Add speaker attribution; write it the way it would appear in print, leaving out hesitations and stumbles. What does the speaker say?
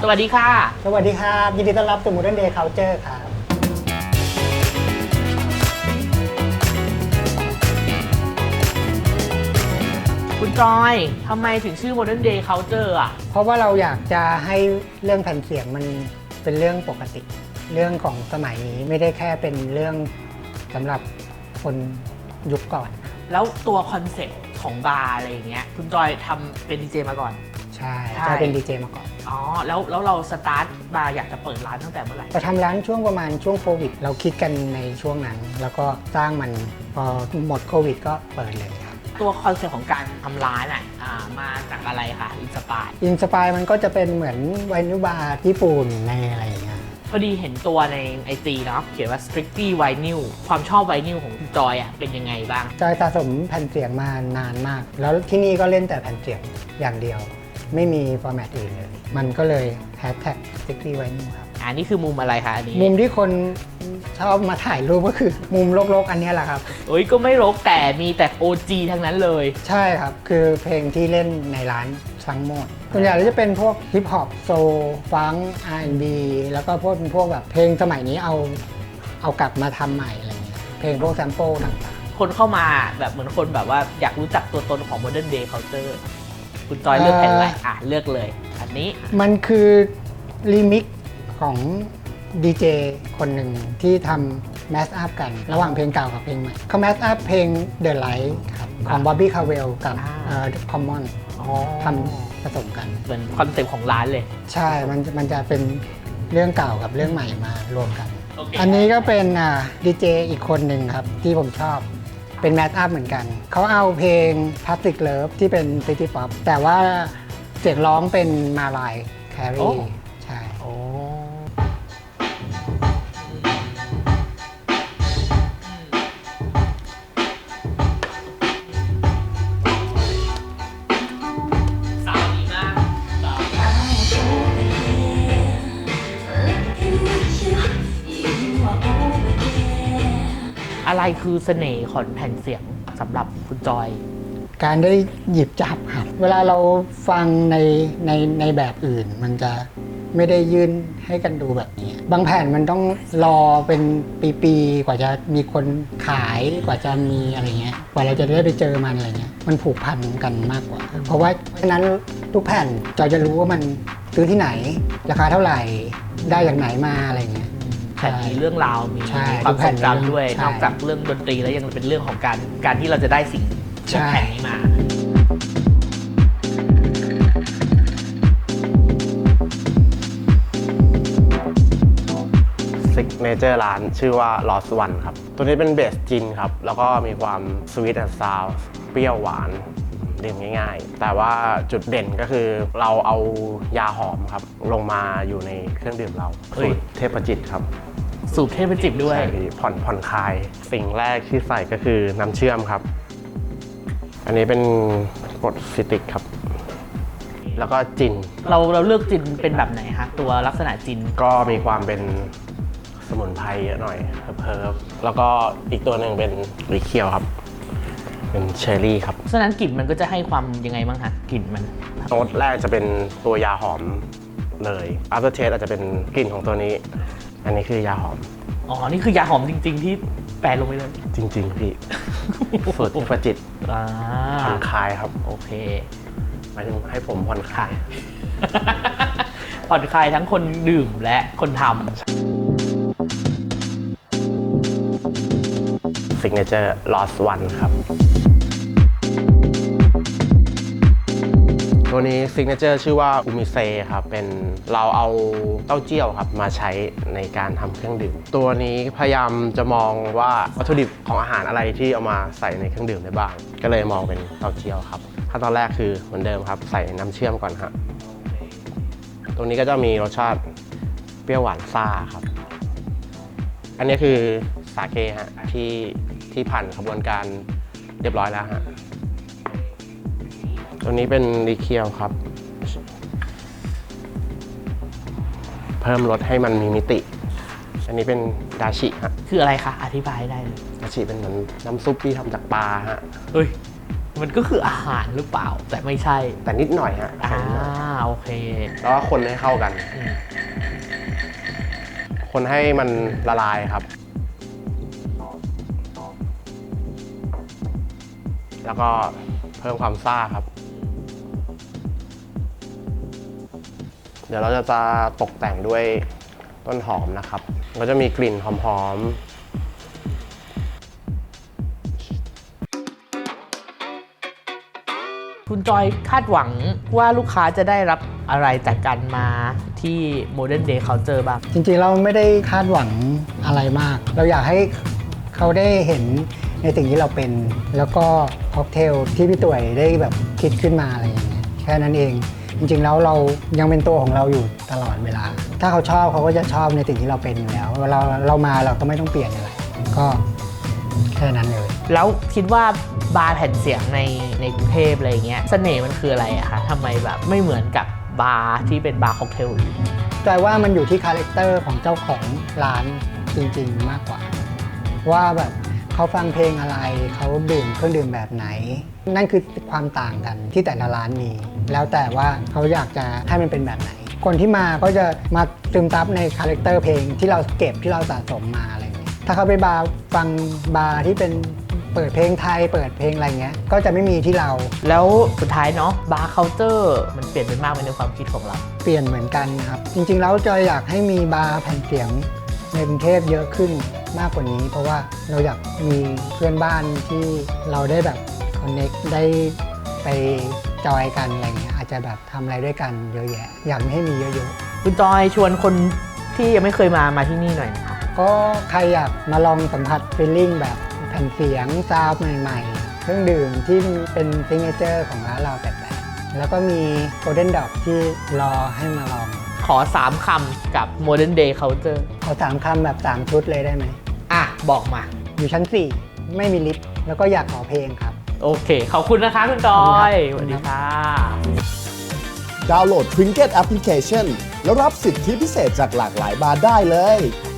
Speaker 1: สวัสดีค่ะ
Speaker 2: สวัสดีครับยินดีต้อนรับสู่ Modern Day Culture ครับ
Speaker 1: คุณจอยทำไมถึงชื่อ Modern Day Culture อ่ะ
Speaker 2: เพราะว่าเราอยากจะให้เรื่องแผ่นเสียงมันเป็นเรื่องปกติเรื่องของสมัยนี้ไม่ได้แค่เป็นเรื่องสำหรับคนยุคก่อน
Speaker 1: แล้วตัวคอนเซ็ปต์ของบาร์อะไรอย่างเงี้ยคุณจอยทำเป็นดีเจมาก่อน
Speaker 2: ใช่จะเป็นดีเจมาก่อน
Speaker 1: อ๋อแล้วเราสตาร์ทบาร์อยากจะเปิดร้านตั้งแต่เมื่อไหร่
Speaker 2: เราทำร้านช่วงประมาณช่วงโควิดเราคิดกันในช่วงนั้นแล้วก็สร้างมันพอหมดโควิดก็เปิดเลยครับ
Speaker 1: ตัวคอนเซ็ปต์ของการทำร้านมาจากอะไรคะอินสปาย
Speaker 2: มันก็จะเป็นเหมือนไวนิลบาร์ญี่ปุ่นในอะไรอย่างเงี้ย
Speaker 1: พอดีเห็นตัวในไอจีเนาะเขียนว่า strictly vinyl ความชอบไวนิลของคุณจอยเป็นยังไงบ้าง
Speaker 2: จอยสะสมแผ่นเสียงมานานมากแล้วที่นี่ก็เล่นแต่แผ่นเสียงอย่างเดียวไม่มีฟอร์แมตอื่นเลยมันก็เลยแฮชแท็ก strictly vinyl ครับ
Speaker 1: นี่คือมุมอะไรคะอันนี้
Speaker 2: มุมที่คนชอบมาถ่ายรูปก็คือมุมรกๆอันนี้แหละครับ
Speaker 1: ก็ไม่รกแต่มีแต่ OG ทั้งนั้นเลย
Speaker 2: ใช่ครับคือเพลงที่เล่นในร้านทั้งหมดส่วนใหญ่จะเป็นพวกฮิปฮอปโซลฟังก์ R&B แล้วก็พวกแบบเพลงสมัยนี้เอากลับมาทำใหม่อะไรเงี้ยเพลงพวกแซมเปิลต่าง
Speaker 1: ๆคนเข้ามาแบบเหมือนคนแบบว่าอยากรู้จักตัวตนของ Modern Day Culture คุณจอยเลือกแผ่นอะไรเลือกเลยอันนี้
Speaker 2: มันคือรีมิกของดีเจคนหนึ่งที่ทำแมสอัพกันระหว่างเพลงเก่ากับเพลงใหม่เขาแมสอัพเพลง The Light ครับของ Bobby Caldwell กับ Common ทำผสมกัน
Speaker 1: เป็นคอนเซ็ปต์ของร้านเลย
Speaker 2: ใช่มันจะเป็นเรื่องเก่ากับเรื่องใหม่มารวมกัน อันนี้ก็เป็นดีเจอีกคนหนึ่งครับที่ผมชอบเป็นแมสอัพเหมือนกันเขาเอาเพลง Plastic Love ที่เป็น City Pop แต่ว่าเสียงร้องเป็นมาลายแครีใช่
Speaker 1: อะไรคือเสน่ห์ของแผ่นเสียงสำหรับคุณจอย
Speaker 2: การได้หยิบจับครับเวลาเราฟังในแบบอื่นมันจะไม่ได้ยื่นให้กันดูแบบนี้บางแผ่นมันต้องรอเป็นปีๆกว่าจะมีคนขายกว่าจะมีอะไรเงี้ยกว่าเราจะได้ไปเจอมันอะไรเงี้ยมันผูกพันกันมากกว่าเพราะว่าฉะนั้นทุกแผ่นจอยจะรู้ว่ามันซื้อที่ไหนราคาเท่าไหร่ได้จากไหนมาอะไรเงี้ย
Speaker 1: แผ่นมีเรื่องราวมีความทรงจำด้วยนอกจากเรื่องดนตรีแล้วยังเป็นเรื่องของการที่เราจะได้สิ่งแผ่นนี้มา
Speaker 3: ซิกเนเจอร์ร้านชื่อว่า Lost One ครับตัวนี้เป็นเบสจินครับแล้วก็มีความสวีทแอนด์ซาวด์เปรี้ยวหวานดื่มง่ายๆแต่ว่าจุดเด่นก็คือเราเอายาหอมครับลงมาอยู่ในเครื่องดื่มเราสูตรเทพจิตครับ
Speaker 1: สูตรเทพจิตด้วย
Speaker 3: ผ่อนคลายสิ่งแรกที่ใส่ก็คือน้ำเชื่อมครับอันนี้เป็นกรดซิตริกครับแล้วก็จิน
Speaker 1: เราเลือกจินเป็นแบบไหนคะตัวลักษณะจิน
Speaker 3: ก็มีความเป็นสมุนไพรเยอะหน่อยเพิร์ฟแล้วก็อีกตัวหนึ่งเป็นลิเคียวครับเป็นเชอร์รี่ครับ
Speaker 1: ฉะนั้นกลิ่นมันก็จะให้ความยังไงบ้างคะกลิ่นมัน
Speaker 3: โน้ตแรกจะเป็นตัวยาหอมเลย after taste อาจจะเป็นกลิ่นของตัวนี้อันนี้คือยาหอม
Speaker 1: นี่คือยาหอมจริงๆที่แปลลงไปเลย
Speaker 3: จริงๆพี่สูตรเทพจิตผ่อนคลายครับ
Speaker 1: โอเค
Speaker 3: หมายถึงให้ผมผ่อนคลาย
Speaker 1: ผ่อนคลายทั้งคนดื่มและคนทำ
Speaker 3: Signature Lost One ครับตัวนี้ Signature ชื่อว่าอูมิเซครับเป็นเราเอาเต้าเจี้ยวครับมาใช้ในการทำเครื่องดื่มตัวนี้พยายามจะมองว่าวัตถุดิบของอาหารอะไรที่เอามาใส่ในเครื่องดื่มได้บ้างก็เลยมองเป็นเต้าเจี้ยวครับขั้นตอนแรกคือเหมือนเดิมครับใส่น้ำเชื่อมก่อนฮะตรงนี้ก็จะมีรสชาติเปรี้ยวหวานซ่าครับอันนี้คือสาเกฮะที่ผ่านกระบวนการเรียบร้อยแล้วฮะตัวนี้เป็นลิเคียวครับเพิ่มรสให้มันมีมิติอันนี้เป็นดาชิฮะ
Speaker 1: คืออะไรคะอธิบายได้เลย
Speaker 3: ดาชิเป็นเหมือนน้ำซุปที่ทำจากปลาฮะ
Speaker 1: มันก็คืออาหารหรือเปล่า แต่ไม่ใช่
Speaker 3: แต่นิดหน่อยฮะ
Speaker 1: โอเค
Speaker 3: แล้วก็คนให้เข้ากัน
Speaker 1: อืม
Speaker 3: คนให้มันละลายครับ แล้วก็เพิ่มความซ่าครับ เดี๋ยวเราจะตกแต่งด้วยต้นหอมนะครับก็จะมีกลิ่นหอมๆ
Speaker 1: คุณจอยคาดหวังว่าลูกค้าจะได้รับอะไรจากการมาที่ Modern Day Culture บ้าง
Speaker 2: จริงๆเราไม่ได้คาดหวังอะไรมาก เราอยากให้เขาได้เห็นในสิ่งที่เราเป็น แล้วก็ค็อกเทลที่พี่ต่วยได้แบบคิดขึ้นมาอะไรอย่างเงี้ยแค่นั้นเอง จริงๆแล้วเรายังเป็นตัวของเราอยู่ตลอดเวลา ถ้าเขาชอบเขาก็จะชอบในสิ่งที่เราเป็นอยู่แล้วเรามาเราก็ไม่ต้องเปลี่ยนอะไรก็แค่นั้นเลย
Speaker 1: แล้วคิดว่าบาร์แผ่นเสียงในกรุงเทพอะไรเงี้ยเสน่ห์มันคืออะไรอะคะทำไมแบบไม่เหมือนกับบาร์ที่เป็นบาร์ค็อกเทลอื่น
Speaker 2: แต่ว่ามันอยู่ที่คาแรคเตอร์ของเจ้าของร้านจริงๆมากกว่า ว่าแบบเขาฟังเพลงอะไรเขาดื่มเครื่องดื่มแบบไหน นั่นคือความต่างกันที่แต่ละร้านมี แล้วแต่ว่าเขาอยากจะให้มันเป็นแบบไหน คนที่มาก็จะมาซึมซับในคาแรคเตอร์เพลงที่เราเก็บที่เราสะสมมาอะไรอย่างเงี้ยถ้าเขาไปบาร์ฟังบาร์ที่เป็นเปิดเพลงไทยเปิดเพลงอะไรเงี้ยก็จะไม่มีที่เรา
Speaker 1: แล้วสุดท้ายเนาะบาร์เคาน์เตอร์มันเปลี่ยนไปมากไหมในความคิดของเรา
Speaker 2: เปลี่ยนเหมือนกันครับ จริงๆแล้วจอยอยากให้มีบาร์แผ่นเสียงในกรุงเทพเยอะขึ้นมากกว่านี้ เพราะว่าเราอยากมีเพื่อนบ้านที่เราได้แบบคอนเน็กได้ไปจอยกันอะไรเงี้ยอาจจะแบบทำอะไรด้วยกันเยอะแยะ อยากให้มีเยอะ
Speaker 1: คุณจอยชวนคนที่ยังไม่เคยมาที่นี่หน่อยนะคะ
Speaker 2: ๆก็ใครอยากมาลองสัมผัสฟีลลิ่งแบบแผ่นเสียงซาวด์ใหม่ๆ เครื่องดื่มที่เป็นซิงเกิลของร้านเราแปลกๆแล้วก็มีโกลเด้นดอกที่รอให้มาลอง
Speaker 1: ขอ 3 คำกับ Modern Day Culture
Speaker 2: ขอ3 คำแบบ3 ชุดเลยได้ไหม
Speaker 1: อ่ะ บอกมา
Speaker 2: อยู่ชั้น 4 ไม่มีลิฟต์แล้วก็อยากขอเพลงครับ
Speaker 1: โอเค ขอบคุณนะคะคุณจอย
Speaker 2: ขอบคุณครับ
Speaker 1: สวัสดีค่ะ
Speaker 4: ดาวน์โหลด Trinket Application แล้วรับสิทธิพิเศษจากหลากหลายบาร์ได้เลย